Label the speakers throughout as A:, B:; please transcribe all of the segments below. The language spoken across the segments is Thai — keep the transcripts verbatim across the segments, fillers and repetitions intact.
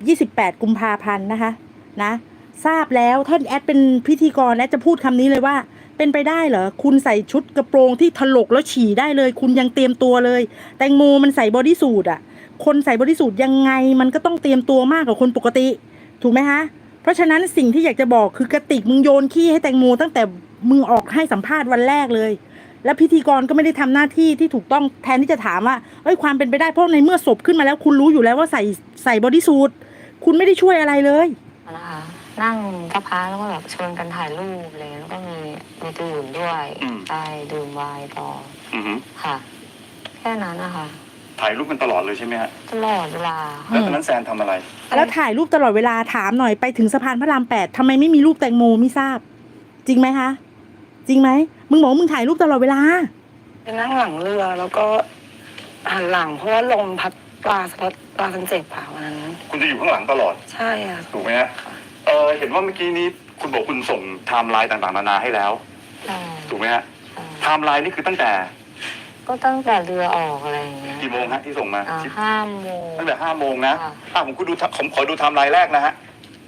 A: ยี่สิบแปดกุมภาพันธ์นะคะนะทราบแล้วท่านแอดเป็นพิธีกรแอดจะพูดคำนี้เลยว่าเป็นไปได้เหรอคุณใส่ชุดกระโปรงที่ถลกแล้วฉี่ได้เลยคุณยังเตรียมตัวเลยแตงโมมันใส่บอดี้สูทอ่ะคนใส่บอดี้สูทยังไงมันก็ต้องเตรียมตัวมากกว่าคนปกติถูกไหมคะเพราะฉะนั้นสิ่งที่อยากจะบอกคือกระติกมึงโยนขี้ให้แตงโมตั้งแต่มึงออกให้สัมภาษณ์วันแรกเลยแล้วพิธีกรก็ไม่ได้ทำหน้าที่ที่ถูกต้องแทนที่จะถามว่าเอ้ยความเป็นไปได้เพราะในเมื่อศพขึ้นมาแล้วคุณรู้อยู่แล้วว่าใส่ใส่บอดี้สูทคุณไม่ได้ช่วยอะไรเลย
B: นะคะนั่งกับพระแล้วก็แบบชวนกันถ่ายรูปอะไรแล้วก็มีมีดื่มด้วยใช่ดื่มไวน์ต่อค่ะแค่นั้นนะคะ
C: ถ่ายรูปกันตลอดเลยใช่ไหมฮะ
B: ตลอดเวลา
C: แล้วตอนนั้นแซนทำอะไร
A: แล้วถ่ายรูปตลอดเวลาถามหน่อยไปถึงสะพานพระรามแปดทำไมไม่มีรูปแตงโมไม่ทราบจริงไหมคะจริงไหมมึงบอกมึงถ่ายรูปตลอดเวลา
D: ไปนั่งหลังเรือแล้วก็หันหลังเพราะว่าลมพัดปลาสะพัดปลาสันเจ็บค่ะวันนั้น
C: คุณจะอยู่ข้างหลังตลอด
D: ใช่ค่ะ
C: ถูกไหมฮะเออเห็นว่าเมื่อกี้นี้คุณบอกคุณส่งไทม์ไลน์ต่างๆนานาให้แล้วถูกไหมฮะไทม์ไลน์นี่คือตั้งแต่
B: ก็ตั้งแต่เรือออกอะไรอย่างเงี้ย
C: กี่โมงฮะที่ส่งมา
B: ห้าโมง
C: ตั้งแต่ห้าโมงนะอ่ะผมคุณดูผมขอดูไทม์ไลน์แรกนะฮะ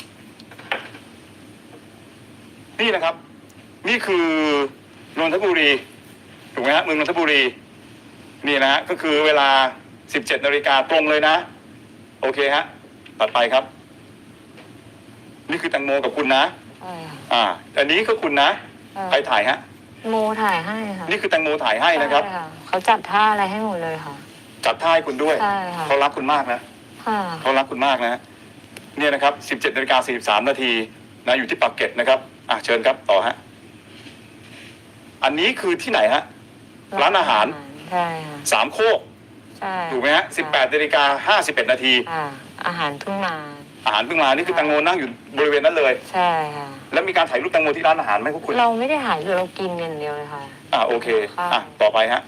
C: นี่นะครับนี่คือนนทบุรีถูกไหมฮะเมืองนนทบุรีนี่นะฮะก็คือเวลาสิบเจ็ดนาฬิกาตรงเลยนะโอเคฮะตัดไปครับนี่คือแตงโมกับคุณนะอ่าอันนี้ก็คุณนะใครถ่ายฮะ
B: โมถ่ายให้ค่ะ
C: นี่คือแตงโมถ่ายให้นะครับ
B: เขาจัดท่าอะไรให้หมดเลยค่ะ
C: จัดท่าให้คุณด้วย
B: ใช่ค่ะ
C: เขารักคุณมากนะเขารักคุณมากนะเนี่ยนะครับสิบเจ็ดนาฬิกาสี่สิบสามนาทีนะอยู่ที่ปากเกร็ดนะครับอ่ะเชิญครับต่อฮะอันนี้คือที่ไหนฮะร้านอาหาร
B: ใช่ค่ะ
C: สามโคก
B: ใช่
C: ถูกไหมฮะสิบแปดนาฬิกาห้าสิบเอ็ดนาที
B: อาหารทุ่งนา
C: อาหารทุ่งนานี่คือแตงโมนั่งอยู่บริเวณนั้นเลย
B: ใช่ค่ะ
C: แล้วมีการถ่ายรูปแตงโมที่ร้านอาหารไหมพวกคุณ
B: เราไม่ได้ถ่ายเรากินอย่างเดียวเลยค่ะ
C: อ่าโอเคอ่ะต่อไปฮะ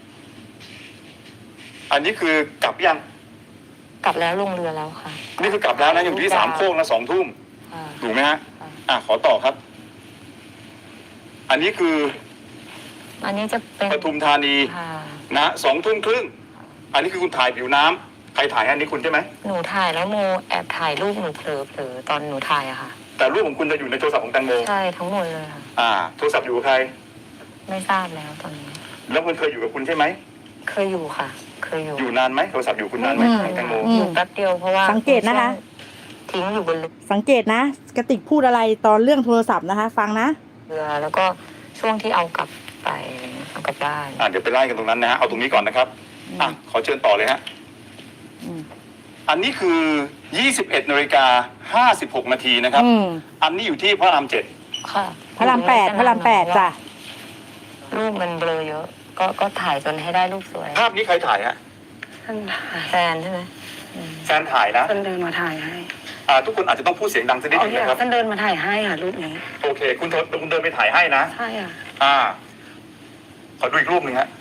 C: อันนี้คือกลับยัง
B: กลับแล้วลงเรือแล้วค่ะ
C: นี่คือกลับแล้วนะอยู่ที่สามโคกนะสองทุ่มถูกไหมฮะอ่ะขอต่อครับอันนี้คือ
B: อันนี้จะเป็น
C: ปทุมธานีนะสองทุ่มครึ่งอันนี้คือคุณถ่ายผิวน้ำใครถ่ายอันนี้คุณใช่ไหม
B: หนูถ่ายแล้วโมแอบถ่ายรูปหนูเผลอเผลอตอนหนูถ่ายอะค่ะ
C: แต่รูปของคุณจะอยู่ในโทรศัพท์ของแตงโม
B: ใช่ทั้งหมดเลยค่ะ
C: อ่าโทรศัพท์อยู่กับใคร
B: ไม่ทราบแล้วตอนนี้
C: แล้วมันเคยอยู่กับคุณใช่ไหม
B: เคยอยู่ค่ะเคยอยู่
C: อยู่นานไหมโทรศัพท์อยู่คุณนานไหมแตงโม
B: อยู่แป๊บเดียวเพราะว่า
A: สังเกตนะคะ
B: ทิ้งอยู่บน
A: สังเกตนะกระติกพูดอะไรตอนเรื่องโทรศัพท์นะคะฟังนะ
B: เรือแล้วก็ช่วงที่เอากลับไปเอากลับบ้าน
C: อ่าเดี๋ยวไปไล่กันตรงนั้นนะฮะเอาตรงนี้ก่อนนะครับอ่ะขอเชิญต่อเลยฮะอันนี้คือยี่สิบเอ็ดนาฬิกาห้าสิบหกนาทีนะครับอันนี้อยู่ที่พระรามเจ็ด
B: ค่ะ
A: พระรามแปดพระรามแปดจ้ะ
B: รูปมันเบลอเยอะก็ก็ถ่ายจนให้ได้รูปสวย
C: ภาพนี้ใครถ่ายฮะ
B: แฟนใช่ไหม
C: แฟนถ่ายนะ
D: แฟนเดินมาถ่ายให้
C: อ่าทุกคนอาจจะต้องพูดเสียงดังสักนิดนึงนะครับ
D: แฟนเดินมาถ่ายให้ค่ะรูปนี้
C: โอเคคุณคุณเดินไปถ่ายให้นะ
D: ใช่ค่ะ
C: อ่าขอดูอีกรูปหนึ่งฮะ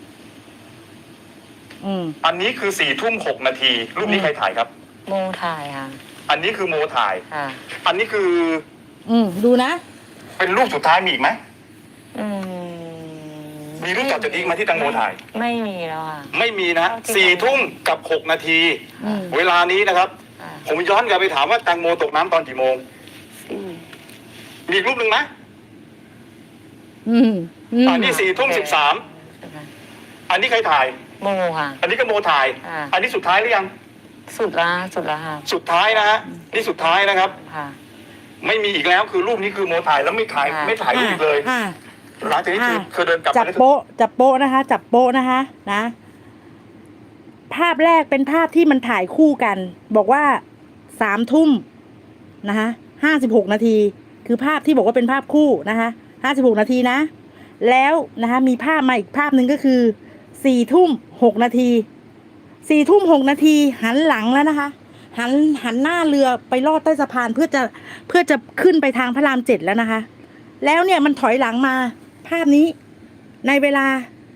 C: อันนี้คือสี่ทุ่มหกนาทีรูปนี้ใครถ่ายครับ
B: โมถ่ายค่ะ
C: อันนี้คือโมถ่าย
B: ค่ะ
C: อันนี้คือ
A: อืมดูนะ
C: เป็นรูปสุดท้ายมีอีกไหม
B: อื
C: มมีรูปต่อจากนี้มาที่แตงโมถ่าย
B: ไม่มีแล้วค่ะ
C: ไม่มีนะสี่ทุ่มกับหกนาทีเวลานี้นะครับผมย้อนกลับไปถามว่าแตงโมตกน้ำตอนกี่โมงมีรูปหนึ่งไหม
A: อืม
C: อันนี้สี่ทุ่มสิบสามอันนี้ใครถ่าย
B: โมค่ะ
C: อันนี้ก็โมถ่ายอันนี้สุดท้ายหรือยัง
B: สุดละสุดละค่ะ
C: สุดท้ายนะฮะนี่สุดท้ายนะครับ
B: ค่ะ
C: ไม่มีอีกแล้วคือรูปนี้คือโมถ่ายแล้วไม่ถ่ายไม่ถ่ายรูปอีกเลยหลังจากนี้คือเดินกลับ
A: จับโป๊ะจับโป๊ะนะคะจับโป๊ะนะคะนะภาพแรกเป็นภาพที่มันถ่ายคู่กันบอกว่าสามทุ่มนะคะห้าสิบหกนาทีคือภาพที่บอกว่าเป็นภาพคู่นะคะห้าสิบหกนาทีนะแล้วนะคะมีภาพมาอีกภาพหนึ่งก็คือสี่ทุ่มหกนาทีสี่ทุ่มหกนาทีหันหลังแล้วนะคะหันหันหน้าเรือไปลอดใต้สะพานเพื่อจะเพื่อจะขึ้นไปทางพระรามเจ็ดแล้วนะคะแล้วเนี่ยมันถอยหลังมาภาพนี้ในเวลา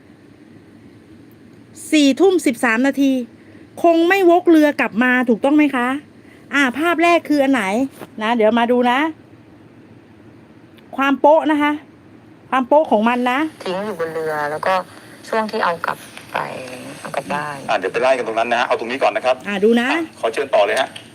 A: สี่ทุ่มสิบสามนาทีคงไม่วกเรือกลับมาถูกต้องไหมคะอ่าภาพแรกคืออันไหนนะเดี๋ยวมาดูนะความโป๊ะนะคะความโป๊ะของมันนะ
B: ทิ้งอยู่บนเรือแล้วก็ช่วงที่เอากลับไปเอากลับบ้าน
C: อ่าเดี๋ยวไปไล่กันตรงนั้นนะฮะเอาตรงนี้ก่อนนะครับ
A: อ่าดูนะ
C: ขอเชิญต่อเลยฮะ